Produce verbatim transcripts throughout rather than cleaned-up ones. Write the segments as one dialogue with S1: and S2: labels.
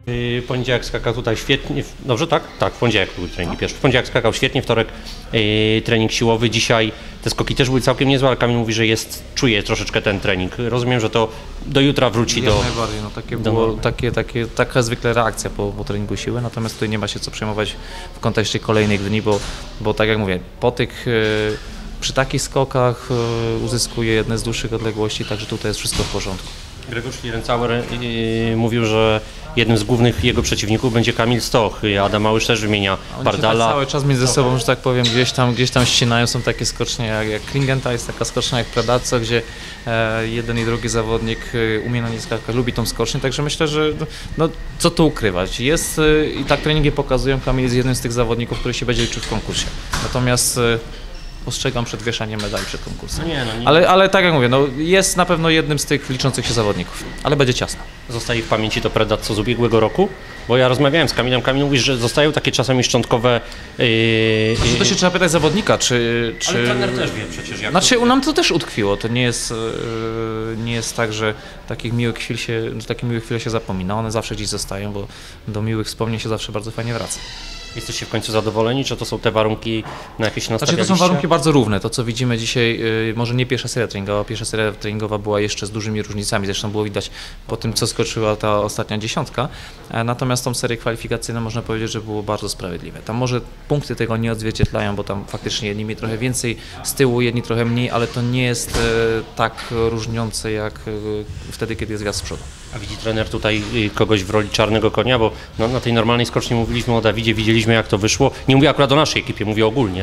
S1: Yy, poniedziałek skakał tutaj świetnie, dobrze tak? Tak, w poniedziałek był trening pierwszy. W poniedziałek skakał świetnie, wtorek yy, trening siłowy, dzisiaj te skoki też były całkiem niezłe, ale Kamil mówi, że jest, czuje troszeczkę ten trening. Rozumiem, że to do jutra wróci
S2: Jak
S1: do...
S2: najbardziej, no takie
S1: do
S2: było, takie, takie, taka zwykle reakcja po, po treningu siły, natomiast tutaj nie ma się co przejmować w kontekście kolejnych dni, bo, bo tak jak mówię, po tych... Yy, przy takich skokach yy, uzyskuje jedne z dłuższych odległości, także tutaj jest wszystko w porządku.
S1: Grzegorz Schlierencauer yy, mówił, że jednym z głównych jego przeciwników będzie Kamil Stoch. Adam Małysz też wymienia
S2: Oni
S1: Bardala.
S2: Tak cały czas między sobą, że tak powiem, gdzieś tam, gdzieś tam ścinają. Są takie skocznie jak, jak Kringenta, jest taka skocznia jak Predazzo, gdzie e, jeden i drugi zawodnik e, umie na nie skakać, lubi tą skocznię, także myślę, że no, co tu ukrywać. Jest e, i tak treningi pokazują, Kamil jest jednym z tych zawodników, który się będzie liczył w konkursie. Natomiast e, ostrzegam przed wieszaniem medali przed konkursem.
S1: Nie, no nie.
S2: Ale, ale tak jak mówię, no, jest na pewno jednym z tych liczących się zawodników, ale będzie ciasno.
S1: Zostaje w pamięci to Predazzo z ubiegłego roku? Bo ja rozmawiałem z Kamilem, Kamil mówi, że zostają takie czasami szczątkowe... Yy,
S2: Znaczy, to się trzeba pytać zawodnika, czy... czy...
S1: Ale trener też wie przecież jak...
S2: Znaczy, u nam to też utkwiło, to nie jest, yy, nie jest tak, że takich miłych chwil się, że takich miłych chwil się zapomina, one zawsze gdzieś zostają, bo do miłych wspomnień się zawsze bardzo fajnie wraca.
S1: Jesteście w końcu zadowoleni, czy to są te warunki, na jakie się
S2: Znaczy,
S1: nastawialiście?
S2: to są warunki bardzo równe, to co widzimy dzisiaj, yy, może nie pierwsza seria treningowa, pierwsza seria treningowa była jeszcze z dużymi różnicami, zresztą było widać po tym, co skoczyła ta ostatnia dziesiątka, e, natomiast tą serię kwalifikacyjną można powiedzieć, że było bardzo sprawiedliwe. Tam może punkty tego nie odzwierciedlają, bo tam faktycznie jedni mieli trochę więcej z tyłu, jedni trochę mniej, ale to nie jest e, tak różniące jak e, wtedy, kiedy jest gwiazd z przodu.
S1: A widzi trener tutaj kogoś w roli czarnego konia, bo no, na tej normalnej skoczni mówiliśmy o Dawidzie, widzieliśmy jak to wyszło. Nie mówię akurat o naszej ekipie, mówię ogólnie.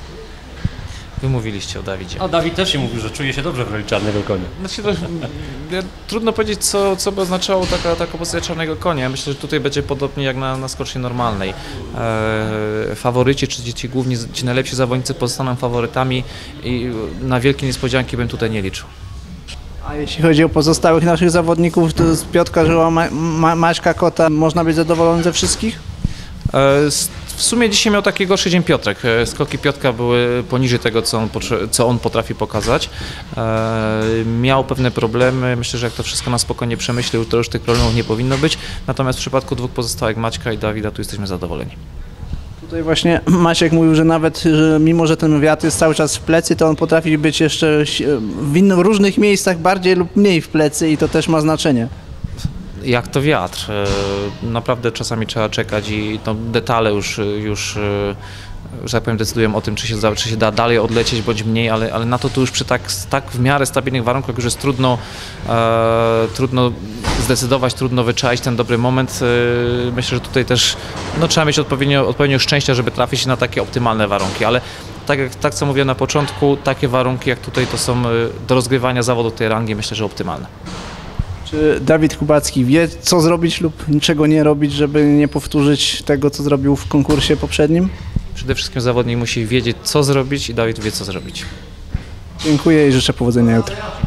S2: Wy mówiliście o Dawidzie.
S1: A Dawid też się mówił, że czuje się dobrze w roli czarnego konia.
S2: Znaczy, to, ja, trudno powiedzieć, co, co by oznaczało taka, taka pozycja czarnego konia. Myślę, że tutaj będzie podobnie jak na, na skoczni normalnej. E, faworyci, czy ci główni, ci najlepsi zawodnicy pozostaną faworytami i na wielkie niespodzianki bym tutaj nie liczył.
S3: A jeśli chodzi o pozostałych naszych zawodników, to z Piotrka Żyła, Ma Ma Maćka Kota, można być zadowolony ze wszystkich?
S2: E, w sumie dzisiaj miał taki gorszy dzień Piotrek. Skoki Piotrka były poniżej tego, co on, co on potrafi pokazać. E, miał pewne problemy. Myślę, że jak to wszystko na spokojnie przemyślił, to już tych problemów nie powinno być. Natomiast w przypadku dwóch pozostałych, Maćka i Dawida, tu jesteśmy zadowoleni.
S3: Tutaj właśnie Maciek mówił, że nawet że mimo, że ten wiatr jest cały czas w plecy, to on potrafi być jeszcze w, innych, w różnych miejscach bardziej lub mniej w plecy i to też ma znaczenie.
S2: Jak to wiatr. Naprawdę czasami trzeba czekać i to detale już, już że tak powiem, decydują o tym, czy się, czy się da dalej odlecieć bądź mniej, ale, ale na to tu już przy tak, tak w miarę stabilnych warunkach już jest trudno, e, trudno zdecydować, trudno wyczaić ten dobry moment. E, myślę, że tutaj też no, trzeba mieć odpowiednio, odpowiednio szczęścia, żeby trafić na takie optymalne warunki, ale tak jak tak co mówiłem na początku, takie warunki jak tutaj to są do rozgrywania zawodu tej rangi, myślę, że optymalne.
S3: Czy Dawid Kubacki wie, co zrobić lub niczego nie robić, żeby nie powtórzyć tego, co zrobił w konkursie poprzednim?
S2: Przede wszystkim zawodnik musi wiedzieć, co zrobić i Dawid wie, co zrobić.
S3: Dziękuję i życzę powodzenia jutro.